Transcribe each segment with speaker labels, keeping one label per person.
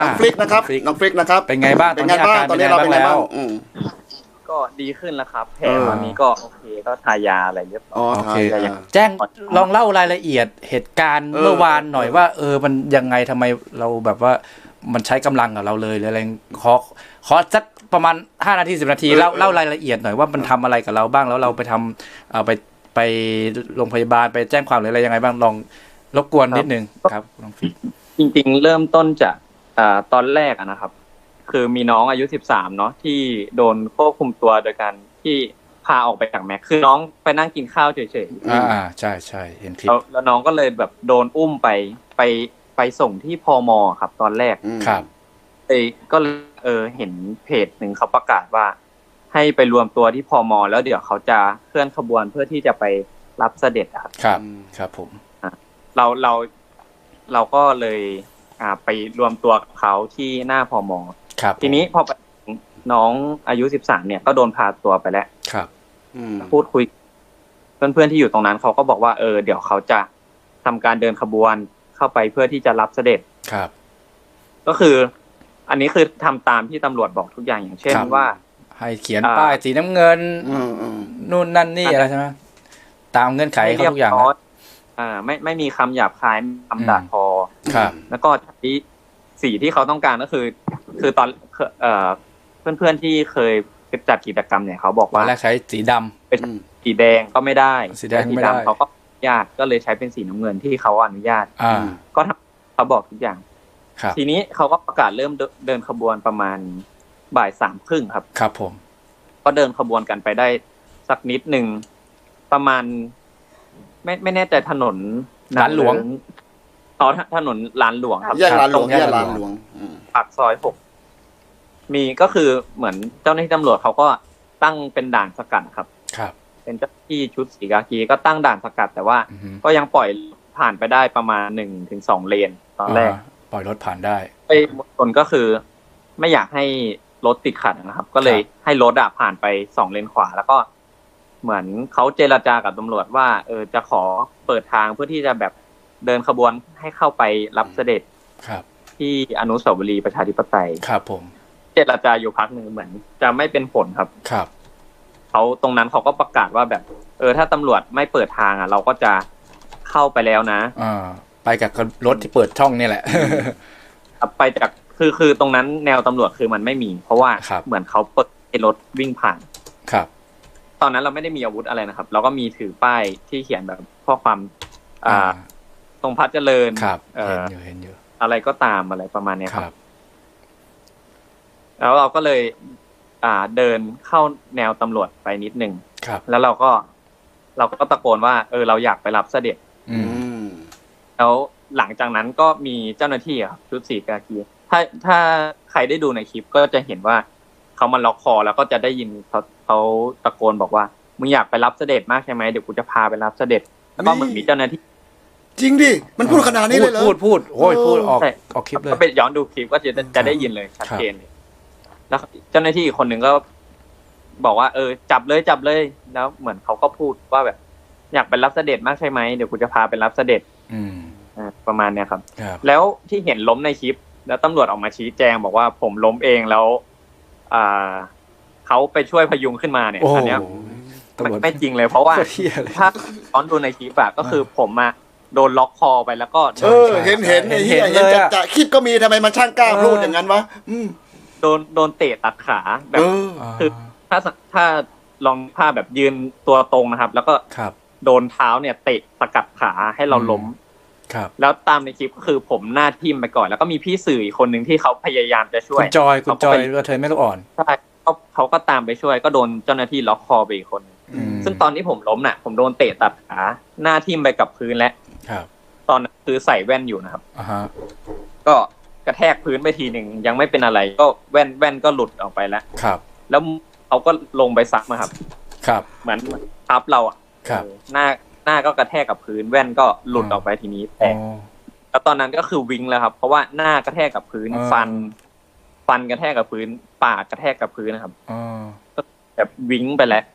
Speaker 1: น้องฟลิกนะครับน้องฟลิกนะครับ
Speaker 2: เป็นไงบ้าง
Speaker 1: เป็นไงบ้างตอนนี้เราเป็นไงบ้าง
Speaker 3: ก็ดีขึ้นแล้วครับแผลตอนนี้ก็โอเคก็ทายาอะไรเรียบร้อย
Speaker 2: โอเคแจ้งลองเล่ารายละเอียดเหตุการณ์เมื่อวานหน่อยว่ามันยังไงทำไมเราแบบว่ามันใช้กำลังกับเราเลยอะไรขอสักประมาณ5 นาที10 นาทีเล่ารายละเอียดหน่อยว่ามันทำอะไรกับเราบ้างแล้วเราไปทำไปโรงพยาบาลไปแจ้งความหรืออะไรยังไงบ้างลองรบกวนนิดนึงครับน้องฟิก
Speaker 3: จริงๆเริ่มต้นจากตอนแรกนะครับคือมีน้องอายุ13เนาะที่โดนควบคุมตัวโดยการที่พาออกไปจากแม็กคือน้องไปนั่งกินข้าวเฉย
Speaker 2: ๆใช่เห็นคลิป
Speaker 3: แล้วน้องก็เลยแบบโดนอุ้มไปส่งที่พม.ครับตอนแรก
Speaker 2: ครับ
Speaker 3: ก็เห็นเพจหนึ่งเขาประกาศว่าให้ไปรวมตัวที่พม.แล้วเดี๋ยวเขาจะเคลื่อนขบวนเพื่อที่จะไปรับเสด็จ
Speaker 2: ครับผม
Speaker 3: เราก็เลยไปรวมตัวกับเขาที่หน้าพม.ทีนี้พอน้องอายุ13เนี่ยก็โดนพาตัวไปแล้ว
Speaker 2: ครับ
Speaker 3: พูดคุยเพื่อนๆที่อยู่ตรงนั้นเขาก็บอกว่าเดี๋ยวเขาจะทำการเดินขบวนเข้าไปเพื่อที่จะรับเสด็จ
Speaker 2: ครับ
Speaker 3: ก็คืออันนี้คือทำตามที่ตำรวจบอกทุกอย่างอย่างเช่นว่า
Speaker 2: ให้เขียนป้ายสีน้ำเงินนู่นนั่นนี่อะไรใช่ไหมตามเงื่อนไขเขาทุกอย่าง
Speaker 3: ไม่มีคำหยาบคายคำด่าทอแล้วก็ที่สีที่เขาต้องการก็คือตอนเพื่อนๆที่เคยจัดกิจกรรมเนี่ยเขาบอกว่า
Speaker 2: แรกใช้สีดำ
Speaker 3: เป็นสีแดงก็ไม่ได้
Speaker 2: สีแดงไม่ได้
Speaker 3: เขาก็อนุญาตก็เลยใช้เป็นสีน้ำเงินที่เขาอนุญาตก็เขาบอกทุกอย่างทีนี้เขาก็ประกาศเริ่มเดินขบวนประมาณบ่าย 3:30
Speaker 2: ครับผม
Speaker 3: ก็เดินขบวนกันไปได้สักนิดนึงประมาณไม่แน่ใจถนน
Speaker 2: ลานหลวง
Speaker 3: ถนนลานหลวงครับ
Speaker 1: แยกลานหลวง
Speaker 3: ปากซอย6มีก็คือเหมือนเจ้าหน้าที่ตำรวจเขาก็ตั้งเป็นด่านสกัดครับเป็นเจ้าหน้าที่ชุดสีกากีก็ตั้งด่านสกัดแต่ว่าก็ยังปล่อยผ่านไปได้ประมาณ 1-2 เลนตอนแรก
Speaker 2: ปล่อยรถผ่านได้
Speaker 3: มวลชนก็คือไม่อยากให้รถติดขัดนะครับก็เลยให้รถผ่านไป2 เลนขวาแล้วก็เหมือนเขาเจรจากับตำรวจว่าจะขอเปิดทางเพื่อที่จะแบบเดินขบวนให้เข้าไปรับเสด็จที่อนุสาวรีย์ประชาธิปไตย
Speaker 2: ครับผม
Speaker 3: เจรจาอยู่พักหนึ่งเหมือนจะไม่เป็นผลครับเขาตรงนั้นเขาก็ประกาศว่าแบบถ้าตำรวจไม่เปิดทางเราก็จะเข้าไปแล้วนะ
Speaker 2: ไปกับรถที่เปิดช่องนี่แหละ
Speaker 3: ไปจากคือตรงนั้นแนวตำรวจคือมันไม่มีเพราะว่าเหมือนเขาเปิดให้รถวิ่งผ่าน
Speaker 2: ครับ
Speaker 3: ตอนนั้นเราไม่ได้มีอาวุธอะไรนะครับเราก็มีถือป้ายที่เขียนแบบข้อความตรงพัฒเจริญ
Speaker 2: เห็นอยู่
Speaker 3: อะไรก็ตามอะไรประมาณนี้ครับแล้วเราก็เลยเดินเข้าแนวตำรวจไปนิดนึงแล้วเราก็ตะโกนว่าเราอยากไปรับเสด็จแล้วหลังจากนั้นก็มีเจ้าหน้าที่ครับชุดสีกากีถ้าใครได้ดูในคลิปก็จะเห็นว่าเขามาล็อกคอแล้วก็จะได้ยินเขาตะโกนบอกว่ามึงอยากไปรับเสด็จมากใช่ไหมเดี๋ยวกูจะพาไปรับเสด็จแล้วก็มึงมีเจ้าหน้าที่
Speaker 1: จริงดิมันพูดขนาดนี้เลยเหรอ
Speaker 2: พูดโอ้ยพูดออกคลิปเลย
Speaker 3: ก็ไปย้อนดูคลิปก็จะได้ยินเลยชัดเจนเลยแล้วเจ้าหน้าที่อีกคนหนึ่งก็บอกว่าจับเลยแล้วเหมือนเขาก็พูดว่าแบบอยากไปรับเสด็จมากใช่ไหมเดี๋ยวกูจะพาไปรับเสด็จประมาณเนี้ยครับแล้วที่เห็นล้มในคลิปแล้วตำรวจออกมาชี้แจงบอกว่าผมล้มเองแล้วเขาไปช่วยพยุงขึ้นมาเนี่ยอันเนี้ยไม่จริงเลยเพราะว่าถ้าตอนดูในคลิปก็คือผมโดนล็อกคอไปแล้วก็
Speaker 1: เห็นเลยจะคลิปก็มีทำไมมันช่างกล้าพูดอย่างนั้นวะ
Speaker 3: โดนเตะตัดขาแบบคือถ้าลองภาพแบบยืนตัวตรงนะครับแล้วก็โดนเท้าเนี่ยเตะสกัดขาให้เราล้มแล้วตามในคลิปก็คือผมหน้าทิ่มไปก่อนแล้วก็มีพี่สื่ออีกคนหนึ่งที่เขาพยายามจะช่วย
Speaker 2: คุณจอยก็เธอไม่ลูกอ่อน
Speaker 3: ใช่เขาก็ตามไปช่วยก็โดนเจ้าหน้าที่ล็อกคอไปอีกคนซึ่งตอนที่ผมล้มน่ะผมโดนเตะตัดขาหน้าทิ่มไปกับพื้นแล้วตอนนั้นคือใส่แว่นอยู่นะครับก็กระแทกพื้นไปทีหนึ่งยังไม่เป็นอะไรก็แว่นก็หลุดออกไปแล้วแล้วเขาก็ลงไปซักมาครับเหมือนทับเราหน้าก็กระแทกกับพื้นแว่นก็หลุดออกไปทีนี้แตกแล้วตอนนั้นก็คือวิงแล้วครับเพราะว่าหน้ากระแทกกับพื้นฟันกระแทกกับพื้นปากกระแทกกับพื้นนะครับแบบวิงไปแล้ว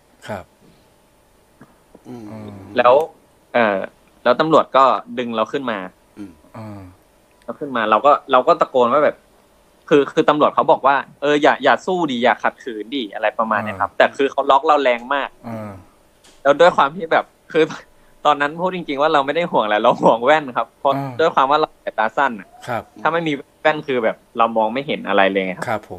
Speaker 3: แล้วตำรวจก็ดึงเราขึ้นมาเราก็ตะโกนว่าแบบคือตำรวจเขาบอกว่าอย่าสู้ดิอย่าขัดขืนดิอะไรประมาณนี้ครับแต่คือเขาล็อกเราแรงมากแล้วด้วยความที่แบบคือตอนนั้นพูดจริงๆว่าเราไม่ได้ห่วงอะไรเราห่วงแว่นครับเพราะด้วยความว่าเราสายตาสั้น
Speaker 2: ครับ
Speaker 3: ถ้าไม่มีแว่นคือแบบเรามองไม่เห็นอะไรเลย
Speaker 2: ครับผม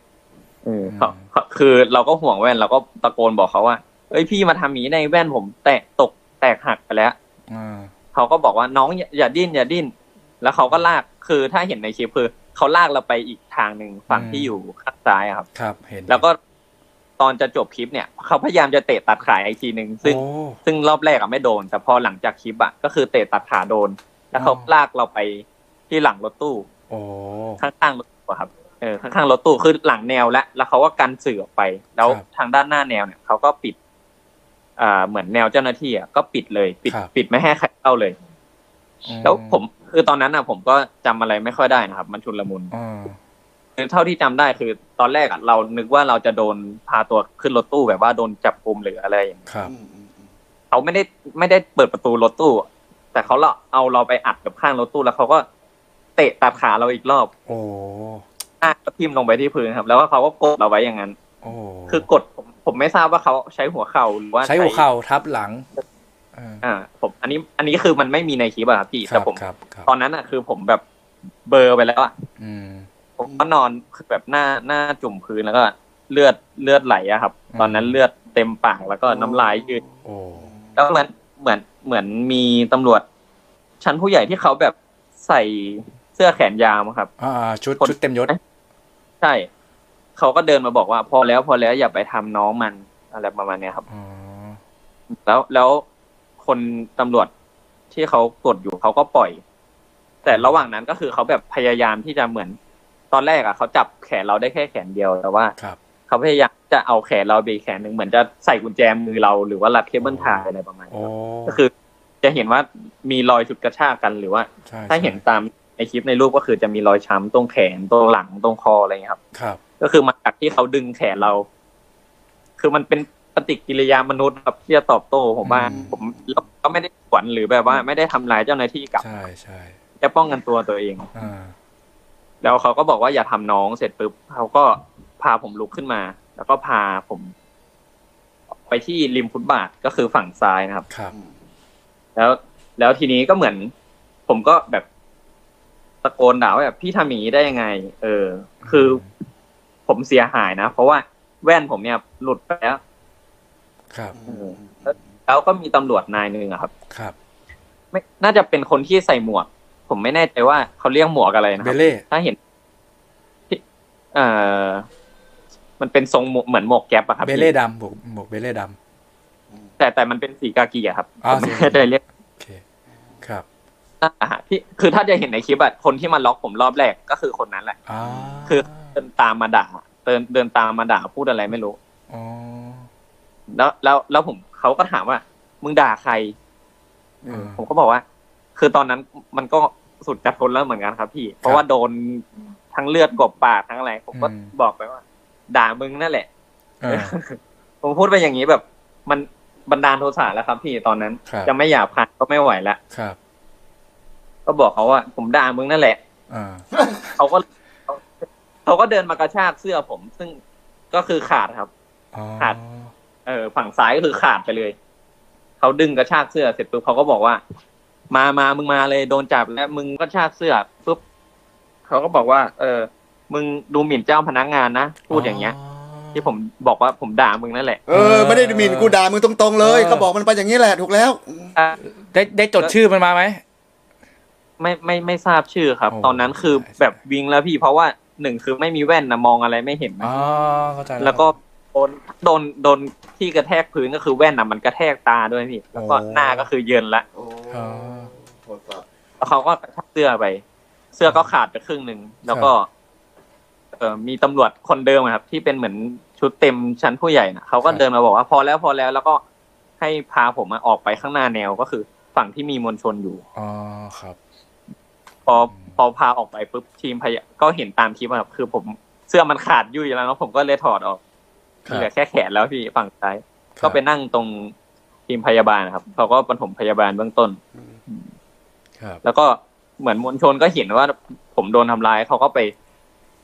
Speaker 3: คือเราก็ห่วงแว่นเราก็ตะโกนบอกเขาว่าเอ้ยพี่มาทำอย่างนี้ในแว่นผมแตกหักไปแล้วเขาก็บอกว่าน้องอย่าดิ้นแล้วเขาก็ลากคือถ้าเห็นในคลิปคือเขาลากเราไปอีกทางหนึ่งฝั่งที่อยู่ข้างซ้ายครับ
Speaker 2: ครับเห็น
Speaker 3: แล้วก็ตอนจะจบคลิปเนี่ยเขาพยายามจะเตะตัดขาอีกทีนึงซึ่งรอบแรกไม่โดนแต่พอหลังจากคลิปก็คือเตะตัดขาโดนแล้วเขาลากเราไปที่หลังรถตู้ข้างๆรถตู้ครับข้างๆรถตู้คือหลังแนวแล้วเขาก็กันสื่อออกไปแล้วทางด้านหน้าแนวเนี่ยเขาก็ปิดเหมือนแนวเจ้าหน้าที่ก็ปิดเลยปิดไม่ให้ใครเข้าเลยแล้วผมคือตอนนั้นผมก็จำอะไรไม่ค่อยได้นะครับมันชุลมุนเท่าที่จำได้คือตอนแรกเรานึกว่าเราจะโดนพาตัวขึ้นรถตู้แบบว่าโดนจับกุมหรืออะไรอย่างนี้เขาไม่ได้เปิดประตูรถตู้แต่เขาเอาเราไปอัดกับข้างรถตู้แล้วเขาก็เตะตัดขาเราอีกรอบก็ทิ่มลงไปที่พื้นครับแล้วเขาก็กดเราไว้อย่างนั้นคือกดผมไม่ทราบว่าเขาใช้หัวเข่าหรือว่า
Speaker 2: ใช้หัวเข่าทับหลัง
Speaker 3: ผมอันนี้คือมันไม่มีในคลิปอะครับพี่แต่ผมตอนนั้นคือผมแบบเบลอไปแล้วผมก็นอนคือแบบหน้าจุ่มพื้นแล้วก็เลือดไหลอะครับตอนนั้นเลือดเต็มปากแล้วก็น้ำลายยืดแล้วเหมือนมีตำรวจชั้นผู้ใหญ่ที่เขาแบบใส่เสื้อแขนยาวครับ
Speaker 2: ชุดเต็มยศ
Speaker 3: ใช่เขาก็เดินมาบอกว่าพอแล้วอย่าไปทำน้องมันอะไรประมาณนี้ครับแล้วคนตำรวจที่เขากดอยู่เขาก็ปล่อยแต่ระหว่างนั้นก็คือเขาแบบพยายามที่จะเหมือนตอนแรกเขาจับแขนเราได้แค่แขนเดียวแต่ว่าเขาพยายามจะเอาแขนเราไปแขนหนึ่งเหมือนจะใส่กุญแจมือเราหรือว่ารัดเคเบิลไทยอะไรประมาณนี้ก็คือจะเห็นว่ามีรอยฉุดกระชากกันหรือว่าถ้าเห็นตามในคลิปในรูปก็คือจะมีรอยช้ำตรงแขนตรงหลังตรงคออะไรอย่างนี้ครับก็คือมาจากที่เขาดึงแขนเราคือมันเป็นปฏิกิริยามนุษย์ครับที่จะตอบโต้ผมว่าผมก็ไม่ได้ขวัญหรือแบบว่าไม่ได้ทำร้ายเจ้าหน้าที่กับ
Speaker 2: ใช่
Speaker 3: จะป้องกันตัวเองแล้วเขาก็บอกว่าอย่าทำน้องเสร็จปุ๊บเขาก็พาผมลุกขึ้นมาแล้วก็พาผมไปที่ริมฟุตบาทก็คือฝั่งซ้ายนะครับแล้วทีนี้ก็เหมือนผมก็แบบตะโกนด่าว่าแบบพี่ทำอย่างนี้ได้ยังไงคือผมเสียหายนะเพราะว่าแว่นผมเนี่ยหลุดไปแล้วแล้วก็มีตำรวจนายนึงครับไม่น่าจะเป็นคนที่ใส่หมวกผมไม่แน่ใจว่าเขาเรียกหมวกอะไรนะครับถ้าเห็นมันเป็นทรงเหมือนหมวกแก๊ปอะครับ
Speaker 2: เบเล่ดำหมวกเบเล่ด
Speaker 3: ำแต่มันเป็นสีกากีอะครับไม่ได้เรียก
Speaker 2: ครับ
Speaker 3: ที่คือถ้าจะเห็นในคลิปคนที่มาล็อกผมรอบแรกก็คือคนนั้นแหละคือเดินตามมาด่าเดินตามมาด่าพูดอะไรไม่รู้แล้วผมเขาก็ถามว่ามึงด่าใครผมก็บอกว่าคือตอนนั้นมันก็สุดจะทนแล้วเหมือนกันครับพี่เพราะว่าโดนทั้งเลือดกบปากทั้งอะไรผมก็บอกไปว่าด่ามึงนั่นแหละผมพูดไปอย่างนี้แบบมันบันดาลโทสะแล้วครับพี่ตอนนั้นจะไม่หยาบคายก็ไม่ไหวแล้วก็บอกเขาว่าผมด่ามึงนั่นแหละเขาก็เดินมากระชากเสื้อผมซึ่งก็คือขาดครับขาดฝั่งซ้ายก็คือขาดไปเลยเขาดึงกระชากเสื้อเสร็จปุ๊บเขาก็บอกว่ามามึงมาเลยโดนจับแล้วมึงก็ชากเสื้อปุ๊บเขาก็บอกว่ามึงดูหมิ่นเจ้าพนักงานนะพูดอย่างเงี้ยที่ผมบอกว่าผมด่ามึงนั่นแหละ
Speaker 1: ไม่ได้หมิ่นกูด่ามึงตรงๆเลยเขาบอกมันไปอย่างนี้แหละถูกแล้ว
Speaker 2: ได้จดชื่อมันมาไหม
Speaker 3: ไม่ทราบชื่อครับตอนนั้นคือแบบวิงแล้วพี่เพราะว่าหนึ่งคือไม่มีแว่นนะมองอะไรไม่เห็น
Speaker 2: เข้าใจ
Speaker 3: แล้วก็โดนที่กระแทกพื้นก็คือแว่นมันกระแทกตาด้วยพี่แล้วก็หน้าก็คือเยินละแล้วเขาก็ชักเสื้อไปเสื้อก็ขาดไปครึ่งนึงแล้วก็มีตำรวจคนเดิมครับที่เป็นเหมือนชุดเต็มชั้นผู้ใหญ่นะเขาก็เดินมาบอกว่าพอแล้วแล้วก็ให้พาผมออกไปข้างหน้าแนวก็คือฝั่งที่มีมวลชนอยู่
Speaker 2: ครับ
Speaker 3: พอพาออกไปปุ๊บทีมก็เห็นตามคลิปครับคือผมเสื้อมันขาดยุ่ยแล้วผมก็เลยถอดออกเหลือแค่แขนแล้วพี่ฝั่งซ้ายก็ไปนั่งตรงทีมพยาบาลครับเขาก็ปฐมพยาบาลเบื้องต้นแล้วก็เหมือนมวลชนก็เห็นว่าผมโดนทำร้ายเขาก็ไป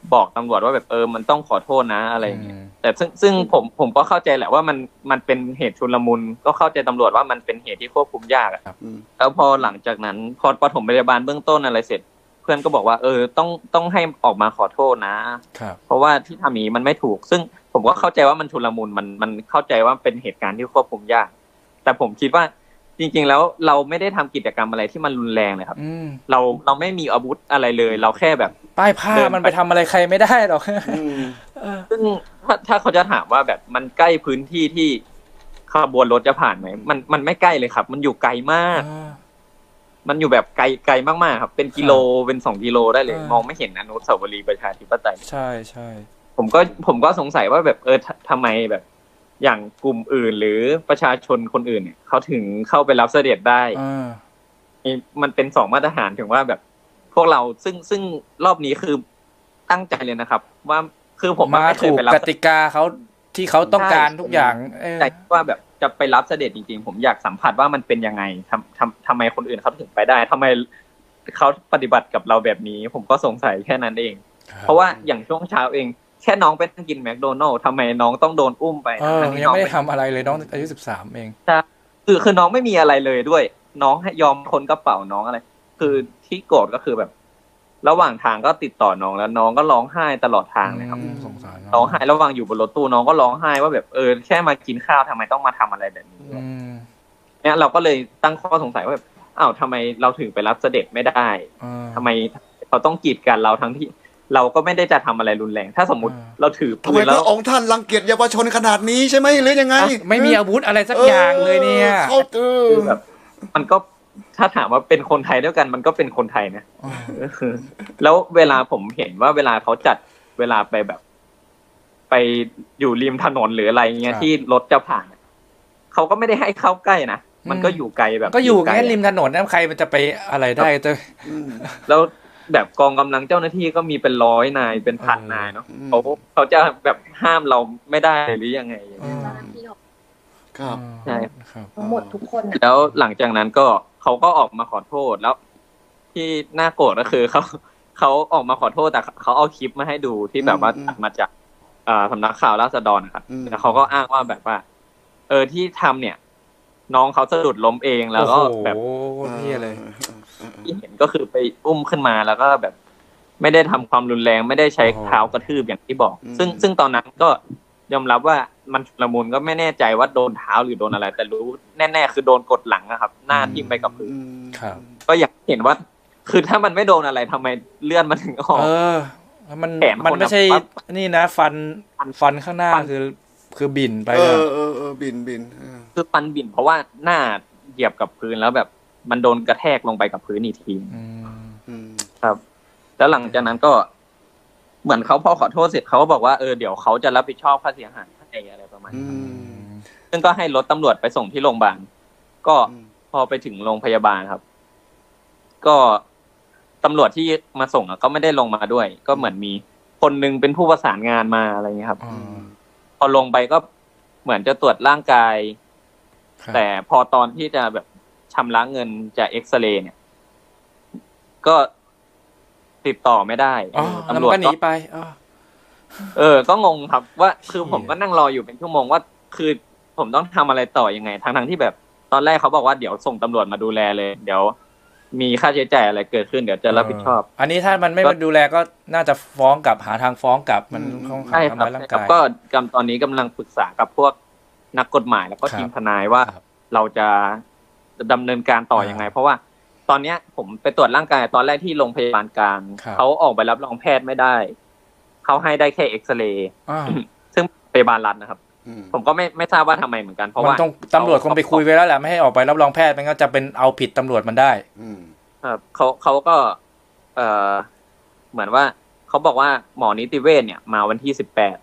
Speaker 3: บอกตำรวจว่าแบบมันต้องขอโทษนะอะไรอย่างเงี้ยแต่ซึ่งผมก็เข้าใจแหละว่ามันเป็นเหตุชุลมุนก็เข้าใจตำรวจว่ามันเป็นเหตุที่ควบคุมยากอะแล้วพอหลังจากนั้นพอปฐมพยาบาลเบื้องต้นอะไรเสร็จเพื่อนก็บอกว่าต้องให้ออกมาขอโทษนะเพราะว่าที่ทำนี้มันไม่ถูกซึ่งผมก็เข้าใจว่ามันชุลมุนมันเข้าใจว่าเป็นเหตุการณ์ที่ควบคุมยากแต่ผมคิดว่าจริงๆแล้วเราไม่ได้ทำกิจกรรมอะไรที่มันรุนแรงเลยครับเราไม่มีอาวุธอะไรเลยเราแค่แบบ
Speaker 2: ป้ายผ้ามันไปทำอะไรใครไม่ได้หรอก
Speaker 3: ซึ่งถ้าเขาจะถามว่าแบบมันใกล้พื้นที่ที่ขบวนรถจะผ่านไหมมันไม่ใกล้เลยครับมันอยู่ไกลมากมันอยู่แบบไกลมากๆครับเป็นกิโลเป็น2 กิโลได้เลยมองไม่เห็นอนุสาวรีย์ประชาธิปไตย
Speaker 2: ใช่ใช่
Speaker 3: ผมก็สงสัยว่าแบบทำไมแบบอย่างกลุ่มอื่นหรือประชาชนคนอื่นเนี่ยเขาถึงเข้าไปรับเสด็จได้มันเป็น2 มาตรฐานถึงว่าแบบพวกเราซึ่งรอบนี้คือตั้งใจเลยนะครับว่าคือผม
Speaker 2: มาถูกกติกาเขาที่เขาต้องการทุกอย่าง
Speaker 3: แต่ว่าแบบจะไปรับเสด็จจริงๆผมอยากสัมผัสว่ามันเป็นยังไงทำไมคนอื่นเขาถึงไปได้ทำไมเขาปฏิบัติกับเราแบบนี้ผมก็สงสัยแค่นั้นเองเพราะว่าอย่างช่วงเช้าเองแค่น้องไปนั่งกินแมคโดนัลด์ทำไมน้องต้องโดนอุ้มไป
Speaker 2: ยังไม่ได้ทำอะไรเลยน้องอายุ13เอง
Speaker 3: ใช่คือน้องไม่มีอะไรเลยด้วยน้องให้ยอมคนกระเป๋าน้องอะไรคือที่โกรธก็คือแบบระหว่างทางก็ติดต่อน้องแล้วน้องก็ร้องไห้ตลอดทางเลยครับ
Speaker 2: สงสาร
Speaker 3: ร้องไห้ระหว่างอยู่บนรถตู้น้องก็ร้องไห้ว่าแบบแค่มากินข้าวทำไมต้องมาทำอะไรแบบนี้เนี่ยเราก็เลยตั้งข้อสงสัยว่าแบบอ้าวทำไมเราถึงไปรับเสด็จไม่ได้ทำไมเขาต้องกีดกันเราทั้งที่เราก็ไม่ได้จะทำอะไรรุนแรงถ้าสมมติเราถือ
Speaker 1: ปืนแล้วพระองค์ท่านรังเกียจเยาวชนขนาดนี้ใช่ไหมหรือยังไง
Speaker 2: ไม่มีอาวุธอะไรสักอย่างเลยเนี่ย
Speaker 1: เขา
Speaker 3: แบบมันก็ถ้าถามว่าเป็นคนไทยด้วยกันมันก็เป็นคนไทยนะแล้วเวลาผมเห็นว่าเวลาเขาจัดเวลาไปแบบไปอยู่ริมถนนหรืออะไรเงี้ยที่รถจะผ่านเขาก็ไม่ได้ให้เข้าใกล้นะมันก็อยู่ไกลแบบ
Speaker 2: ก็อยู่แค่ริมถนนนะใครมันจะไปอะไรได้
Speaker 3: แล้วแบบกองกำลังเจ้าหน้าที่ก็มีเป็น100 นายเป็นพันนายเนาะเขาจะแบบห้ามเราไม่ได้หรือยังไง
Speaker 1: ครับ
Speaker 3: ใช่
Speaker 4: ทั้งหมดทุกคน
Speaker 3: แล้วหลังจากนั้นก็เขาก็ออกมาขอโทษแล้วที่น่าโกรธก็คือเขาออกมาขอโทษแต่เขาเอาคลิปมาให้ดูที่แบบว่าตัดมาจากสำนักข่าวราษฎรนะครับแล้วเขาก็อ้างว่าแบบว่าที่ทำเนี่ยน้องเขาสะดุดล้มเองแล้วก็แบบ
Speaker 2: นี่เลย
Speaker 3: ที่เห็นก็คือไปอุ้มขึ้นมาแล้วก็แบบไม่ได้ทำความรุนแรงไม่ได้ใช้เท้ากระทืบอย่างที่บอกซึ่งตอนนั้นก็ยอมรับว่ามันชุลมุนก็ไม่แน่ใจว่าโดนเท้าหรือโดนอะไรแต่รู้แน่ๆคือโดนกดหลังนะครับหน้าทิ่มไปกับพื้นก็อยากเห็นว่าคือถ้ามันไม่โดนอะไรทำไมเลื่อนมันถึงออก
Speaker 2: มันไม่ใช่นี่นะฟันข้างหน้าคือบิ่นไป
Speaker 1: บิ่น
Speaker 3: คือฟันบิ่นเพราะว่าหน้าเหยียบกับพื้นแล้วแบบมันโดนกระแทกลงไปกับพื้นอีกทีครับแล้วหลังจากนั้นก็เหมือนเขาพอขอโทษเสร็จเขาก็บอกว่าเดี๋ยวเขาจะรับผิดชอบค่าเสียหายอะไรประมาณนี้ซึ่งก็ให้รถตำรวจไปส่งที่โรงพยาบาลก็พอไปถึงโรงพยาบาลครับก็ตำรวจที่มาส่งก็ไม่ได้ลงมาด้วยก็เหมือนมีคนนึงเป็นผู้ประสานงานมาอะไรเงี้ยครับพอลงไปก็เหมือนจะตรวจร่างกายแต่พอตอนที่จะแบบชำระเงินจะเอ็กซเรย์เนี่ยก็ติดต่อไม่ได้
Speaker 2: ตำรวจก็หนีไป
Speaker 3: ก็งงครับว่าคือผมก็นั่งรออยู่เป็นชั่วโมงว่าคือผมต้องทำอะไรต่อยังไงทั้งที่แบบตอนแรกเขาบอกว่าเดี๋ยวส่งตำรวจมาดูแลเลยเดี๋ยวมีค่าใช้จ่ายอะไรเกิดขึ้นเดี๋ยวจะรับผิดชอบ
Speaker 2: อันนี้ถ้ามันไม่ดูแลก็น่าจะฟ้องกลับหาทางฟ้องกลับมัน
Speaker 3: ใช่ครับก็ตอนนี้กำลังปรึกษากับพวกนักกฎหมายแล้วก็ทีมทนายว่าเราจะดำเนินการต่อยังไงเพราะว่าตอนเนี้ยผมไปตรวจร่างกายตอนแรกที่โรงพยาบาลกลางเขาออกใบรับรองแพทย์ไม่ได้เขาให้ได้แค่เอ็กซเรย์ซึ่งพยาบาลรัฐนะครับผมก็ไม่ทราบว่าทำไมเหมือนกันเพราะว่า
Speaker 2: ตำรวจคงไปคุยไว้แล้วแหละไม่ให้ออกใบรับรองแพทย์มันก็จะเป็นเอาผิดตำรวจมันได้
Speaker 3: ครับเขาก็เหมือนว่าเขาบอกว่าหมอนิติเวชเนี่ยมาวันที่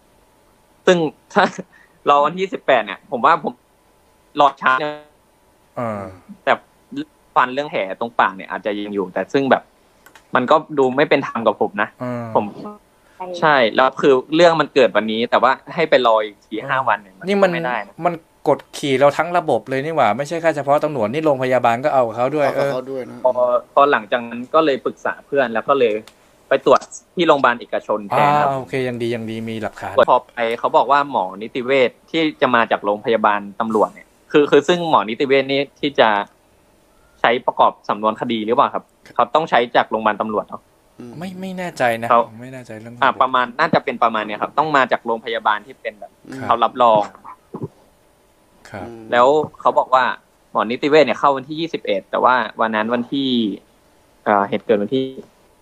Speaker 3: 18ซึ่งถ้ารอวันที่18เนี่ยผมว่าผมรอช้าแต่ฟันเรื่องแผลตรงปากเนี่ยอาจจะยังอยู่แต่ซึ่งแบบมันก็ดูไม่เป็นธรรมกับผมนะผมใช่แล้วคือเรื่องมันเกิดวันนี้แต่ว่าให้ไปรออีก4-5 วันเนี่ย
Speaker 2: นี่มันไม่ได้มันกดขี่เราทั้งระบบเลยนี่หว่าไม่ใช่แค่เฉพาะตำรวจนี่โรงพยาบาลก็เอาเขาด้วย
Speaker 1: เขาด้วยนะ
Speaker 3: พอหลังจากนั้นก็เลยปรึกษาเพื่อนแล้วก็เลยไปตรวจที่โรงพยาบาลเอกชนแทนครับ
Speaker 2: โอเคยังดีมีหลักฐาน
Speaker 3: พอไปเขาบอกว่าหมอนิติเวชที่จะมาจากโรงพยาบาลตำรวจเนี่ยคือซึ่งหมอนิติเวชนี่ที่จะใช้ประกอบสำนวนคดีหรือเปล่าครับเขาต้องใช้จากโรงพยาบาลตำรวจเนาะ
Speaker 2: ไม่แน่ใจนะไม่แน่ใจเรื่อง
Speaker 3: ประมาณน่าจะเป็นประมาณเนี้ยครับต้องมาจากโรงพยาบาลที่เป็นแบบเขารับรอง
Speaker 2: ครับ
Speaker 3: แล้วเขาบอกว่าหมอนิติเวชเนี่ยเข้าวันที่21แต่ว่าวันนั้นวันที่เหตุเกิดวันที่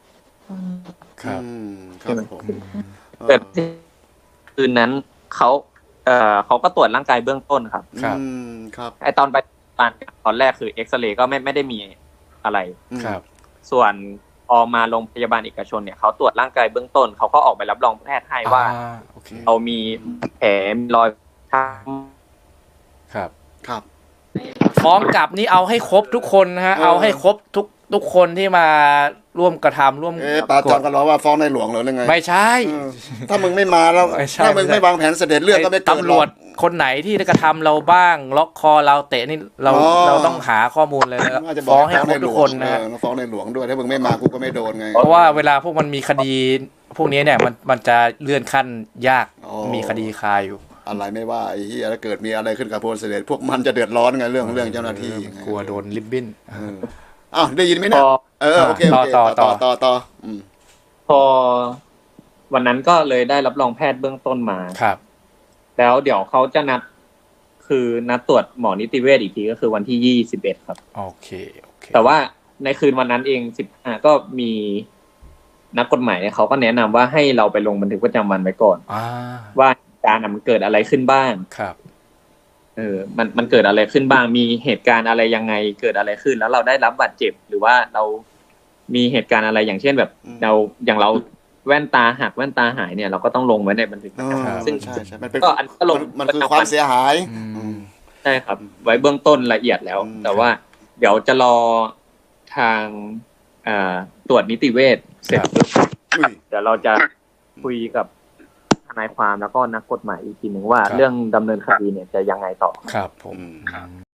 Speaker 2: ครับ
Speaker 3: ผมเกิดคืนนั้นเขาก็ตรวจร่างกายเบื้องต้นครับ
Speaker 2: ครับ
Speaker 3: ไอตอนไปตอนแรกคือเอ็กซเรย์ก็ไม่ได้มีอะไร
Speaker 2: ครับ
Speaker 3: ส่วนพอมาโรงพยาบาลเอกชนเนี่ยเขาตรวจร่างกายเบื้องต้นเขาก็ออกใบรับรองแพทย์ให้ว่าเรามีแผลมีรอยช้
Speaker 2: ำครับฟ้องกลับนี่เอาให้ครบทุกคนนะฮะเอาให้ครบทุกคนที่มาร่วมกระทำร่วม
Speaker 1: ปาจอนก็ร้องว่าฟ้องในหลวงหรือไง
Speaker 2: ไม่ใช่
Speaker 1: ถ้ามึงไม่มาแล้วถ้ามึงไม่วางแผนเสด็จเรื่องก็ไม่เกิด
Speaker 2: ตำรวจคนไหนที่กระทำเราบ้างล็อกคอเราเตะนี่เราต้องหาข้อมูลเลยนะฟ้องให้ครบทุกคนนะ
Speaker 1: ฟ้องในหลวงด้วยถ้ามึงไม่มากูก็ไม่โดนไง
Speaker 2: เพราะว่าเวลาพวกมันมีคดีพวกนี้เนี่ยมันจะเลื่อนขั้นยากมีคดีคาอยู่
Speaker 1: อะไรไม่ว่าไอ้เหี้ยถ้าเกิดมีอะไรขึ้นกับพลเสด็จพวกมันจะเดือดร้อนไงเรื่องเจ้าหน้าที่
Speaker 2: กลัวโดนลิบบิ้น
Speaker 1: ได้ยินไหมเนี่ยโอเคต่อ
Speaker 3: พอวันนั้นก็เลยได้รับรองแพทย์เบื้องต้นมา
Speaker 2: ครับ
Speaker 3: แล้วเดี๋ยวเขาจะนัดตรวจหมอนิติเวชอีกทีก็คือวันที่21ครับ
Speaker 2: โอเค
Speaker 3: แต่ว่าในคืนวันนั้นเอง15ก็มีนักกฎหมายเขาก็แนะนำว่าให้เราไปลงบันทึกประจำวันไว้ก่อนว่าการมันเกิดอะไรขึ้นบ้าง
Speaker 2: ครับ
Speaker 3: มันเกิดอะไรขึ้นบ้างมีเหตุการณ์อะไรยังไงเกิดอะไรขึ้นแล้วเราได้รับบาดเจ็บหรือว่าเรามีเหตุการณ์อะไรอย่างเช่นแบบเราแว่นตาหักแว่นตาหายเนี่ยเราก็ต้องลงไว้ในบันทึกประจำวันซึ่งก็อันก็ลง
Speaker 1: มันคือความเสียหาย
Speaker 3: ใช่ครับไว้เบื้องต้นละเอียดแล้วแต่ว่าเดี๋ยวจะรอทางตรวจนิติเวชเสร็จเดี๋ยวเราจะคุยกับทนายความแล้วก็นักกฎหมายอีกทีหนึ่งว่าเรื่องดำเนินคดีเนี่ยจะยังไงต่อ
Speaker 2: ครับผม